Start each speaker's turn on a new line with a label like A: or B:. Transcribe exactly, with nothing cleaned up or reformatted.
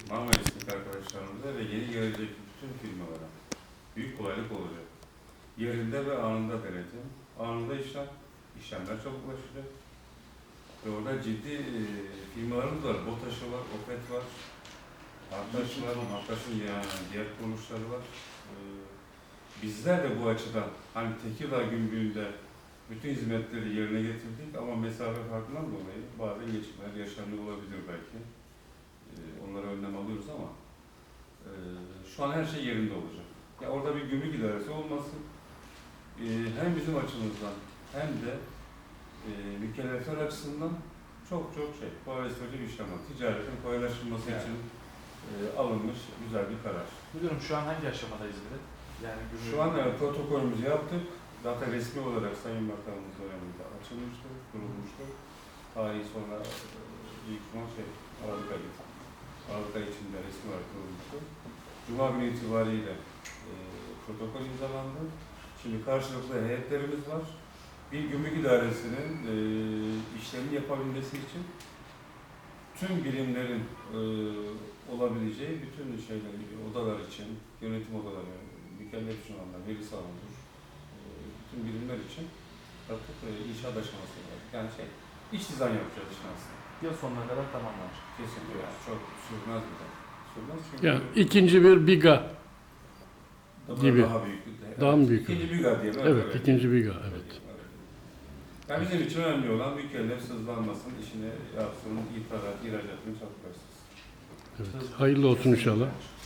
A: Marmaris'teki arkadaşlarımıza ve yeni gelecek bütün firmalara büyük kolaylık olacak. Yerinde ve anında denetim, anında işlem, işlemler çabuklaşacak. Ve orada ciddi e, firmalarımız var. BOTAŞ'ı var, OPET var, Artaş var, Artaş'ın yani diğer kuruluşları var. E, bizler de bu açıdan hani Tekirdağ Gümrüğü'nde bütün hizmetleri yerine getirdik ama mesafe farkından dolayı bazen geçimler yaşanıyor olabilir belki. E, onlara önlem alıyoruz ama e, şu an her şey yerinde olacak. Ya orada bir gümrük idaresi olması e, hem bizim açımızdan hem de e, mükellefler açısından çok çok şey, kolaylaştırıcı bir işlem var. Ticaretin kolaylaştırılması
B: Yani.
A: için e, alınmış güzel bir karar.
B: Müdürüm şu an hangi aşamadayız bir de? Yani gümrük...
A: Şu an e, protokolümüzü yaptık. Zaten resmi olarak Sayın Bakanımız döneminde açılmıştı, kurulmuştu. Tarihi sonra e, ilk son şey, Aralık ayı, Aralık ayı içinde resmi olarak kurulmuştu. Cuma günü itibariyle e, protokol imzalandı. Şimdi karşılıklı heyetlerimiz var. Bir gümrük idaresinin e, işlerini yapabilmesi için tüm birimlerin e, olabileceği bütün şeyler, odalar için, yönetim odaları, mükellef şunlardan, veri savunudur, e, bütün birimler için artık e, inşaat aşaması var. Yani şey, iç dizayn yapacağız işin aslında.
B: Yıl sonuna kadar tamamlanacak.
A: Kesinlikle yani çok sürmez bir de. Sürmez çünkü
C: Yani ikinci bir biga
A: daha
C: gibi.
A: Daha büyük.
C: Daha mı büyük?
A: İkinci biga diyelim.
C: Evet, ikinci biga, evet.
A: Yani bizim için önemli olan mükellef sızlanmasın, işini yapsın, ithalat, ihracatını çabuk versin.
C: Evet. Hayırlı olsun inşallah.